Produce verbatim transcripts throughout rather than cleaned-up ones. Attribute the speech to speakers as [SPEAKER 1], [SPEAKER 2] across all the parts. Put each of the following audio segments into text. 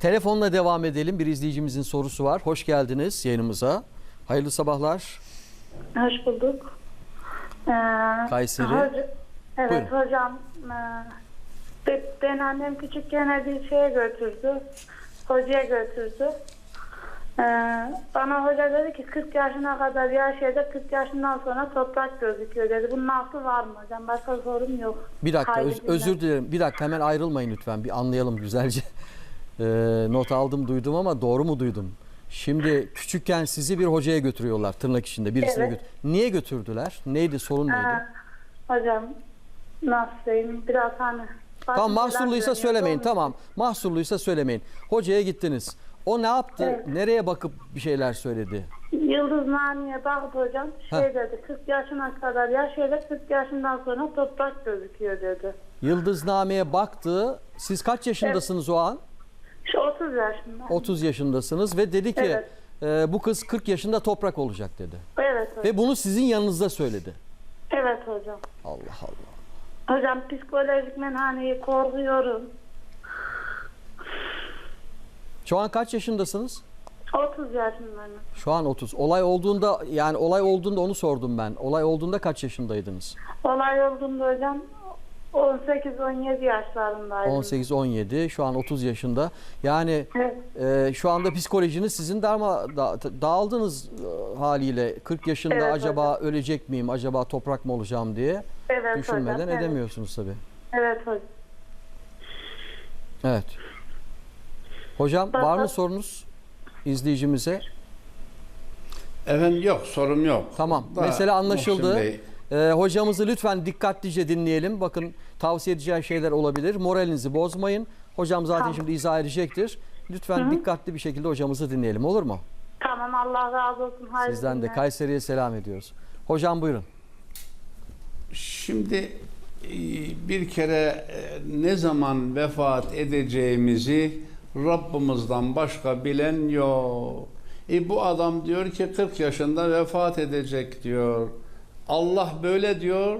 [SPEAKER 1] Telefonla devam edelim. Bir izleyicimizin sorusu var. Hoş geldiniz yayınımıza. Hayırlı sabahlar.
[SPEAKER 2] Hoş bulduk. Ee,
[SPEAKER 1] Kayseri.
[SPEAKER 2] Hoca, evet
[SPEAKER 1] Buyurun.
[SPEAKER 2] hocam. E, ben annem küçükken bir şeye götürdü. Hocaya götürdü. Ee, bana hoca dedi ki kırk yaşına kadar yaşayacak, kırk yaşından sonra toprak gözüküyor dedi. Bunun aklı var mı hocam? Başka sorum yok.
[SPEAKER 1] Bir dakika
[SPEAKER 2] Haydi
[SPEAKER 1] öz-
[SPEAKER 2] dinle.
[SPEAKER 1] özür dilerim. Bir dakika hemen ayrılmayın lütfen. Bir anlayalım güzelce. Ee, not aldım duydum ama doğru mu duydum? Şimdi küçükken sizi bir hocaya götürüyorlar tırnak içinde birisine
[SPEAKER 2] Evet.
[SPEAKER 1] götür. Niye götürdüler? Neydi sorun neydi?
[SPEAKER 2] Ee, hocam nasıl diyeyim? Biraz hani...
[SPEAKER 1] Tamam
[SPEAKER 2] başım falan
[SPEAKER 1] mahsurluysa
[SPEAKER 2] dönüyor.
[SPEAKER 1] söylemeyin.
[SPEAKER 2] Onu-
[SPEAKER 1] Tamam mahsurluysa söylemeyin. Hocaya gittiniz. O ne yaptı?
[SPEAKER 2] Evet.
[SPEAKER 1] Nereye bakıp bir şeyler söyledi?
[SPEAKER 2] Yıldız Nani'ye baktı hocam. Şey
[SPEAKER 1] Heh.
[SPEAKER 2] dedi, kırk yaşına kadar yaşayacak, kırk yaşından sonra toprak gözüküyor dedi.
[SPEAKER 1] Yıldızname'ye baktı. Siz kaç yaşındasınız o an?
[SPEAKER 2] Şu otuz yaşında.
[SPEAKER 1] otuz yaşındasınız ve dedi ki
[SPEAKER 2] Evet.
[SPEAKER 1] e, bu kız kırk yaşında toprak olacak dedi.
[SPEAKER 2] Evet hocam.
[SPEAKER 1] Ve bunu sizin yanınızda söyledi.
[SPEAKER 2] Evet hocam.
[SPEAKER 1] Allah Allah.
[SPEAKER 2] Hocam psikolojik men hani korkuyorum.
[SPEAKER 1] Şu an kaç yaşındasınız?
[SPEAKER 2] otuz yaşındayım.
[SPEAKER 1] Şu an otuz. Olay olduğunda yani olay olduğunda onu sordum ben. Olay olduğunda kaç yaşındaydınız?
[SPEAKER 2] Olay olduğunda hocam on sekiz on yedi yaşlarındaydım.
[SPEAKER 1] on sekiz on yedi. Şu an otuz yaşında. Yani
[SPEAKER 2] Evet.
[SPEAKER 1] e, şu anda psikolojiniz sizin darma da, dağıldınız e, haliyle. kırk yaşında
[SPEAKER 2] Evet
[SPEAKER 1] acaba ölecek miyim? Acaba toprak mı olacağım diye
[SPEAKER 2] Evet
[SPEAKER 1] düşünmeden
[SPEAKER 2] hocam. Evet.
[SPEAKER 1] edemiyorsunuz tabii.
[SPEAKER 2] Evet hocam.
[SPEAKER 1] Evet. Hocam var mı
[SPEAKER 2] Baba-
[SPEAKER 1] sorunuz izleyicimize?
[SPEAKER 3] Efendim yok, sorum yok.
[SPEAKER 1] Tamam.
[SPEAKER 3] Da,
[SPEAKER 1] Mesele anlaşıldı.
[SPEAKER 3] Muhsin Bey,
[SPEAKER 1] Ee, hocamızı lütfen dikkatlice dinleyelim. Bakın tavsiye edeceği şeyler olabilir. Moralinizi bozmayın. Hocam zaten
[SPEAKER 2] Tamam.
[SPEAKER 1] şimdi izah edecektir. Lütfen dikkatli bir şekilde hocamızı dinleyelim. Olur mu?
[SPEAKER 2] Tamam, Allah razı olsun. Hayırlı
[SPEAKER 1] Sizden de
[SPEAKER 2] günler.
[SPEAKER 1] Kayseri'ye selam ediyoruz. Hocam buyurun.
[SPEAKER 3] Şimdi e, bir kere e, ne zaman vefat edeceğimizi Rabbimizden başka bilen yok. E bu adam diyor ki kırk yaşında vefat edecek diyor. Allah böyle diyor.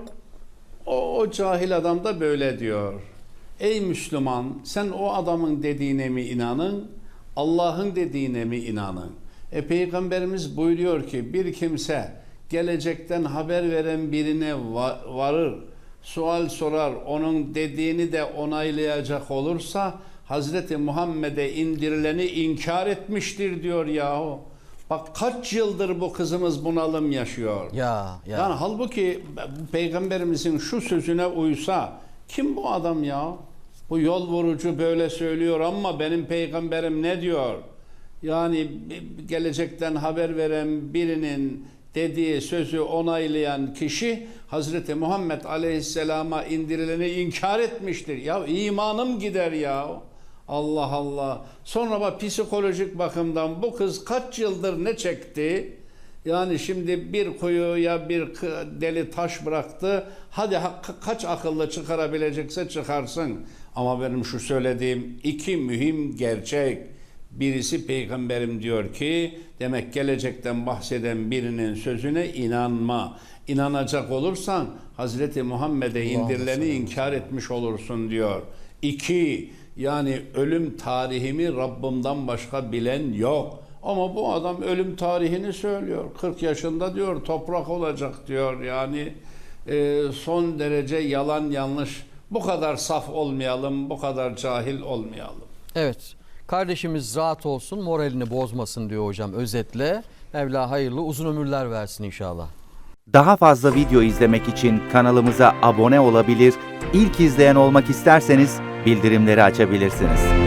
[SPEAKER 3] O, o cahil adam da böyle diyor. Ey Müslüman, sen o adamın dediğine mi inanın, Allah'ın dediğine mi inanın? E Peygamberimiz buyuruyor ki bir kimse gelecekten haber veren birine va- varır, sual sorar, onun dediğini de onaylayacak olursa Hazreti Muhammed'e indirileni inkar etmiştir diyor yahu. Bak kaç yıldır bu kızımız bunalım yaşıyor.
[SPEAKER 1] Ya ya.
[SPEAKER 3] Yani halbuki bu Peygamberimizin şu sözüne uysa kim bu adam ya? Bu yol vurucu böyle söylüyor ama benim peygamberim ne diyor? Yani gelecekten haber veren birinin dediği sözü onaylayan kişi Hazreti Muhammed Aleyhisselam'a indirileni inkar etmiştir. Ya imanım gider ya. Allah Allah. Sonra bak psikolojik bakımdan bu kız kaç yıldır ne çekti? Yani şimdi bir kuyuya bir deli taş bıraktı. Hadi ka- kaç akıllı çıkarabilecekse çıkarsın. Ama benim şu söylediğim iki mühim gerçek. Birisi peygamberim diyor ki demek gelecekten bahseden birinin sözüne inanma. İnanacak olursan Hazreti Muhammed'e indirileni inkar etmiş olursun diyor. İki, yani ölüm tarihimi Rabbimden başka bilen yok. Ama bu adam ölüm tarihini söylüyor. kırk yaşında diyor toprak olacak diyor. Yani e, son derece yalan yanlış. Bu kadar saf olmayalım, bu kadar cahil olmayalım.
[SPEAKER 1] Evet. Kardeşimiz rahat olsun, moralini bozmasın diyor hocam özetle. Mevla hayırlı uzun ömürler versin inşallah.
[SPEAKER 4] Daha fazla video izlemek için kanalımıza abone olabilir, ilk izleyen olmak isterseniz bildirimleri açabilirsiniz.